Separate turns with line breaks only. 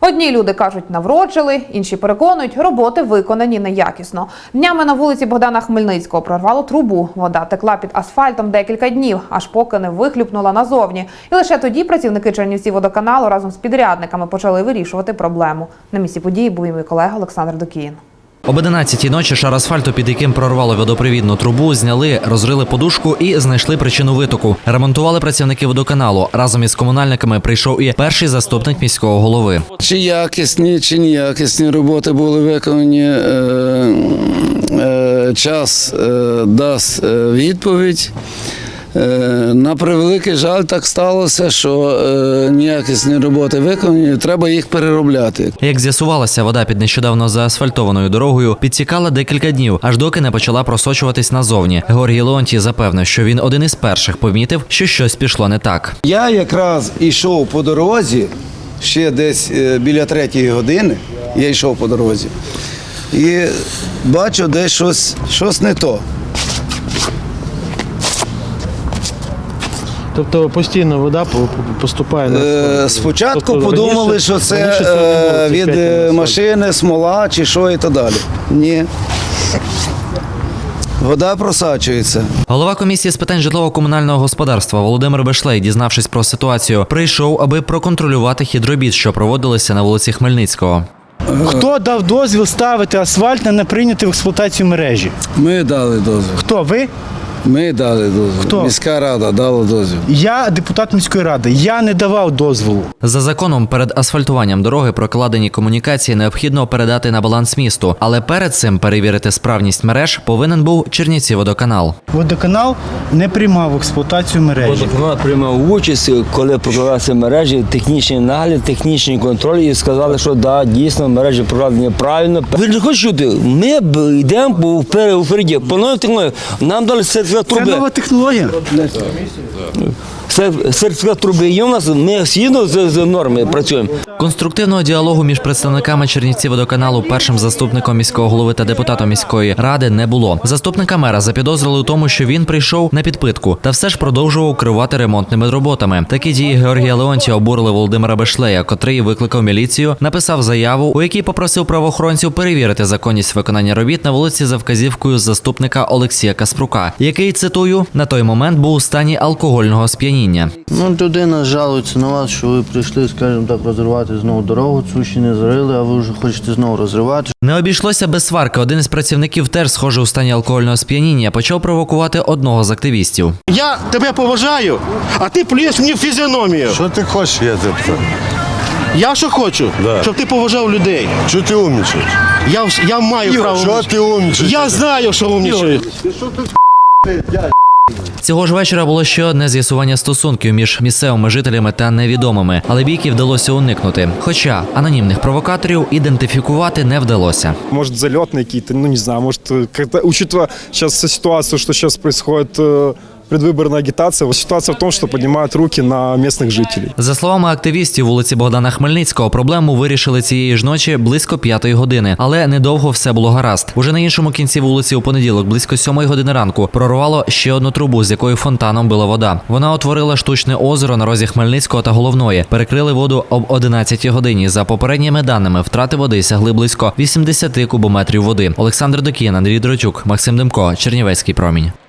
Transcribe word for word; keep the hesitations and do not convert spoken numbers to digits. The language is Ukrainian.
Одні люди кажуть, навроджили, інші переконують, роботи виконані неякісно. Днями на вулиці Богдана Хмельницького прорвало трубу. Вода текла під асфальтом декілька днів, аж поки не вихлюпнула назовні. І лише тоді працівники Чернівцівводоканалу разом з підрядниками почали вирішувати проблему. На місці події був і мій колега Олександр Докіїн.
Об одинадцятій ночі шар асфальту, під яким прорвало водопровідну трубу, зняли, розрили подушку і знайшли причину витоку. Ремонтували працівники водоканалу. Разом із комунальниками прийшов і перший заступник міського голови.
Чи якісні, чи неякісні роботи були виконані, е, е, час е, дасть відповідь. На превеликий жаль, так сталося, що е, неякісні роботи виконані, треба їх переробляти.
Як з'ясувалося, вода під нещодавно заасфальтованою дорогою підтікала декілька днів, аж доки не почала просочуватись назовні. Георгій Леонтій запевнив, що він один із перших помітив, що щось пішло не так.
Я якраз йшов по дорозі, ще десь біля третьої години, я йшов по дорозі, і бачу, десь щось, щось не то.
Тобто постійно вода поступає на
асфальт? Спочатку тобто, подумали, раніше, що це е, від машини, смола чи що і так далі. Ні. Вода просачується.
Голова комісії з питань житлово-комунального господарства Володимир Бешлей, дізнавшись про ситуацію, прийшов, аби проконтролювати хід робіт, що проводилися на вулиці Хмельницького.
Хто дав дозвіл ставити асфальт на неприйняті в експлуатацію мережі?
Ми дали дозвіл.
Хто, ви?
Ми дали дозвіл.
Хто?
Міська рада дала дозвіл.
Я депутат міської ради. Я не давав дозволу.
За законом, перед асфальтуванням дороги прокладені комунікації необхідно передати на баланс місту. Але перед цим перевірити справність мереж повинен був Чернівцівводоканал.
Водоканал не приймав в експлуатацію мережі.
Водоканал приймав участь, коли прокладалися мережі, технічний нагляд, технічний контроль і сказали, що да, дійсно мережі прокладені правильно. Ви не хочете чути? Ми йдемо впереді, по новій технології. Нам дали сертифікат труби.
Це нова технологія.
Сертифікат труби є у нас, ми згідно з нормами працюємо.
Конструктивного діалогу між представниками Чернівцівводоканалу, першим заступником міського голови та депутатом міської ради не було. Заступника мера запідозрили у тому, що він прийшов на підпитку та все ж продовжував керувати ремонтними роботами. Такі дії Георгія Леонтія обурили Володимира Бешлея, котрий викликав міліцію, написав заяву, у якій попросив правоохоронців перевірити законність виконання робіт на вулиці за вказівкою заступника Олексія Каспрука, який, цитую, на той момент був у стані алкогольного сп'яніння.
Ну, людина жалується на вас, що ви прийшли, скажімо так, розривати знову дорогу, цю ще не зрили, а ви вже хочете знову розривати.
Не обійшлося без сварки. Один із працівників теж, схоже, у стані алкогольного сп'яніння, почав провокувати одного з активістів.
Я тебе поважаю, а ти плюєш мені в фізіономію.
Що ти хочеш, я тебе питаю?
Я що хочу?
Да.
Щоб ти поважав людей.
Що ти умнічаєш?
Я, я маю право.
Що ти умнічаєш?
Я знаю, що умнічаю.
Цього ж вечора було ще одне з'ясування стосунків між місцевими жителями та невідомими, але бійки вдалося уникнути. Хоча анонімних провокаторів ідентифікувати не вдалося.
Может, залетные какие-то, ну не знаю, может, как-то, учитывая сейчас ситуацию, что сейчас происходит, предвыборная агитация, ситуация в том, что поднимают руки на местных жителей.
За словами активістів вулиці Богдана Хмельницького, проблему вирішили цієї ж ночі близько п'ятої години. Але недовго все було гаразд. Уже на іншому кінці вулиці у понеділок, близько сьомої години ранку, прорвало ще одну трубу, з якої фонтаном била вода. Вона утворила штучне озеро на розі Хмельницького та Головної. Перекрили воду об одинадцятій годині. За попередніми даними, втрати води сягли близько вісімдесят кубометрів води. Олександр Докіїн, Андрій Дротюк, Максим Демко, Чернівецький промінь.